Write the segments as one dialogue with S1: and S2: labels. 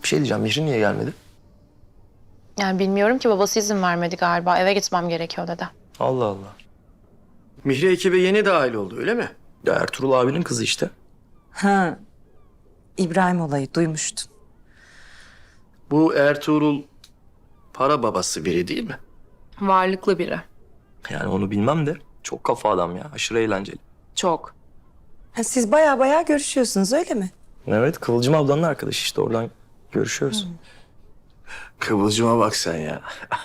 S1: Bir şey diyeceğim, Mihri niye gelmedi?
S2: Yani bilmiyorum ki, babası izin vermedi galiba. Eve gitmem gerekiyor dedi.
S1: Allah Allah.
S3: Mihri ekibe yeni dahil oldu öyle mi?
S1: Ya Ertuğrul abinin kızı işte.
S4: Ha, İbrahim olayı duymuştum.
S3: Bu Ertuğrul para babası biri değil mi?
S2: Varlıklı biri.
S1: Yani onu bilmem de çok kafa adam ya. Aşırı eğlenceli.
S2: Çok.
S4: Ha, siz baya görüşüyorsunuz öyle mi?
S1: Evet, Kıvılcım ablanın arkadaşı işte, oradan görüşüyoruz.
S3: Kıvılcıma bak sen ya.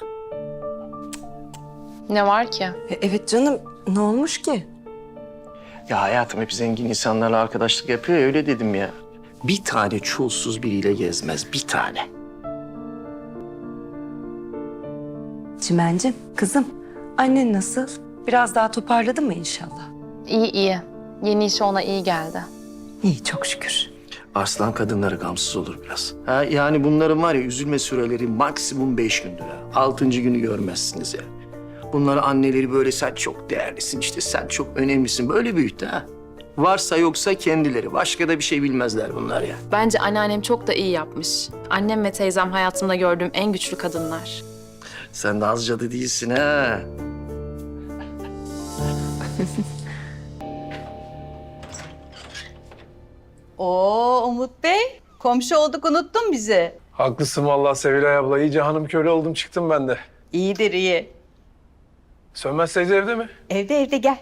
S2: Ne var ki?
S4: Evet canım, ne olmuş ki?
S3: Ya hayatım hep zengin insanlarla arkadaşlık yapıyor ya, öyle dedim ya. Bir tane çulsuz biriyle gezmez, bir tane.
S4: Çimencim, kızım, annen nasıl? Biraz daha toparladı mı inşallah?
S2: İyi iyi. Yeni işi ona iyi geldi.
S4: İyi, çok şükür.
S3: Arslan kadınları gamsız olur biraz. Ha, yani bunların var ya, üzülme süreleri maksimum 5 gündür ha. 6. günü görmezsiniz ya. Bunları anneleri böyle sen çok değerlisin işte, sen çok önemlisin böyle büyüttü ha. Varsa yoksa kendileri. Başka da bir şey bilmezler bunlar ya.
S2: Bence anneannem çok da iyi yapmış. Annem ve teyzem hayatımda gördüğüm en güçlü kadınlar.
S3: Sen de az cadı değilsin ha.
S5: Oo Umut Bey, komşu olduk unuttun bizi.
S6: Haklısın vallahi Sevilay abla. İyice hanım köle oldum çıktım ben de.
S5: İyidir iyi.
S6: Sönmez teyze evde mi?
S5: Evde gel.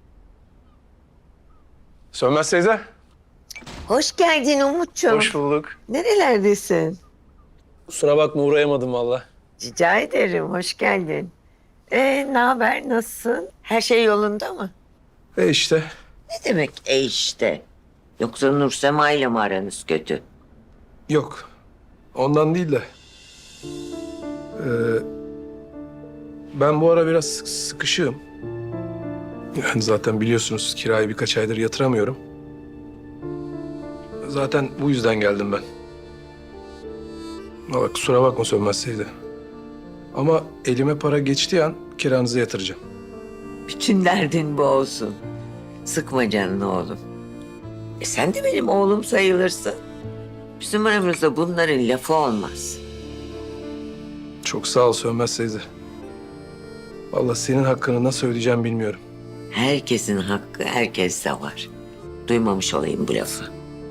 S6: Sönmez teyze.
S7: Hoş geldin Umut'cuğum.
S6: Hoş bulduk.
S7: Nerelerdesin?
S6: Kusura bakma uğrayamadım vallahi.
S7: Rica ederim, hoş geldin. Ne haber, nasılsın? Her şey yolunda mı?
S6: İşte.
S7: Ne demek işte? Yoksa Nursema ile mi aranız kötü?
S6: Yok. Ondan değil de. Ben bu ara biraz sıkışığım. Yani zaten biliyorsunuz kirayı birkaç aydır yatıramıyorum. Zaten bu yüzden geldim ben. Valla kusura bakma Sönmez teyze. Ama elime para geçtiği an kiranızı yatıracağım.
S7: Bütün derdin bu olsun. Sıkma canını oğlum. Sen de benim oğlum sayılırsın. Bizim aramızda bunların lafı olmaz.
S6: Çok sağ ol Sönmez teyze. Vallahi senin hakkını nasıl ödeyeceğim bilmiyorum.
S7: Herkesin hakkı herkeste var. Duymamış olayım bu lafı.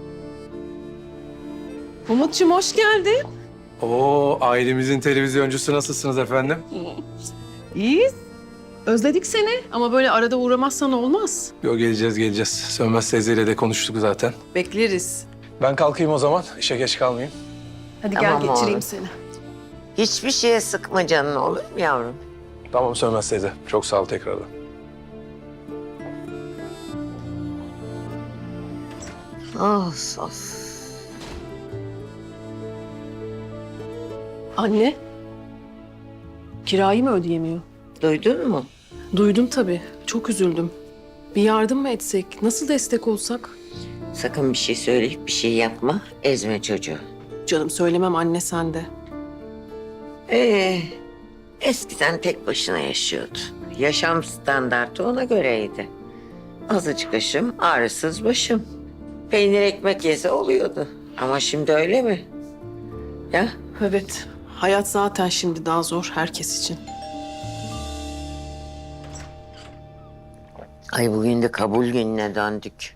S8: Umut'cum hoş geldin.
S6: Oo, ailemizin televizyoncusu nasılsınız efendim?
S8: İyiyiz. Özledik seni ama böyle arada uğramazsan olmaz.
S6: Yo, geleceğiz. Sönmez teyzeyle de konuştuk zaten.
S8: Bekleriz.
S6: Ben kalkayım o zaman. İşe geç kalmayayım.
S8: Hadi
S7: Tamam
S8: gel geçireyim
S7: oğlum.
S8: seni.
S7: Hiçbir şeye sıkma canını olur mu yavrum?
S6: Tamam Sönmez teyze. Çok sağ ol tekrardan.
S7: Of.
S8: Anne. Kirayı mı ödeyemiyor?
S7: Duydun mu?
S8: Duydum tabii. Çok üzüldüm. Bir yardım mı etsek? Nasıl destek olsak?
S7: Sakın bir şey söyleyip bir şey yapma. Ezme çocuğu.
S8: Canım söylemem anne sen de.
S7: Eskiden tek başına yaşıyordu. Yaşam standartı ona göreydi. Azıcık aşım, ağrısız başım. Peynir ekmek yese oluyordu. Ama şimdi öyle mi? Ya
S8: Evet. Hayat zaten şimdi daha zor herkes için.
S7: ay bugün de kabul gününe döndük.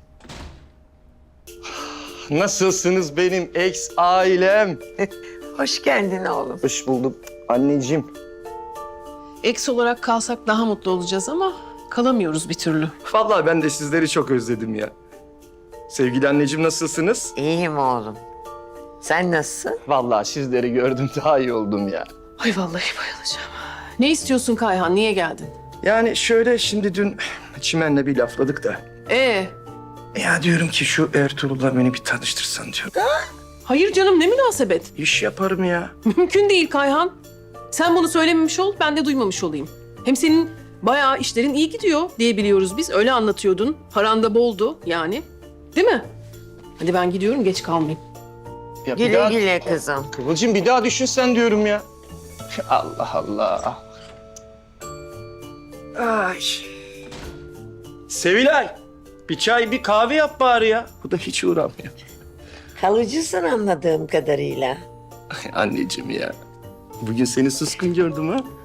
S3: Nasılsınız benim ex ailem?
S7: Hoş geldin oğlum.
S3: Hoş bulduk anneciğim.
S8: Eks olarak kalsak daha mutlu olacağız ama kalamıyoruz bir türlü.
S3: Vallahi ben de sizleri çok özledim ya. Sevgili anneciğim nasılsınız?
S7: İyiyim oğlum. Sen nasılsın?
S3: Vallahi sizleri gördüm daha iyi oldum ya.
S8: Ay vallahi bayılacağım. Ne istiyorsun Kayhan? Niye geldin?
S3: Yani şöyle şimdi dün Çimen'le bir lafladık da. Ya diyorum ki şu Ertuğrul'la beni bir tanıştırsan diyorum.
S8: Hayır canım ne münasebet.
S3: İş yaparım ya.
S8: Mümkün değil Kayhan. Sen bunu söylememiş ol, ben de duymamış olayım. Hem senin bayağı işlerin iyi gidiyor diye biliyoruz biz. Öyle anlatıyordun. Paran da boldu yani. Değil mi? Hadi ben gidiyorum, geç kalmayayım.
S3: Ya
S7: Güle güle kızım.
S3: Kıvılcım bir daha düşünsen diyorum ya. Allah Allah. Ay. Sevilay. Bir çay bir kahve yap bari ya. Bu da hiç uğramıyor.
S7: Kalıcısın anladığım kadarıyla.
S3: Anneciğim ya. Bugün seni suskun gördüm ha.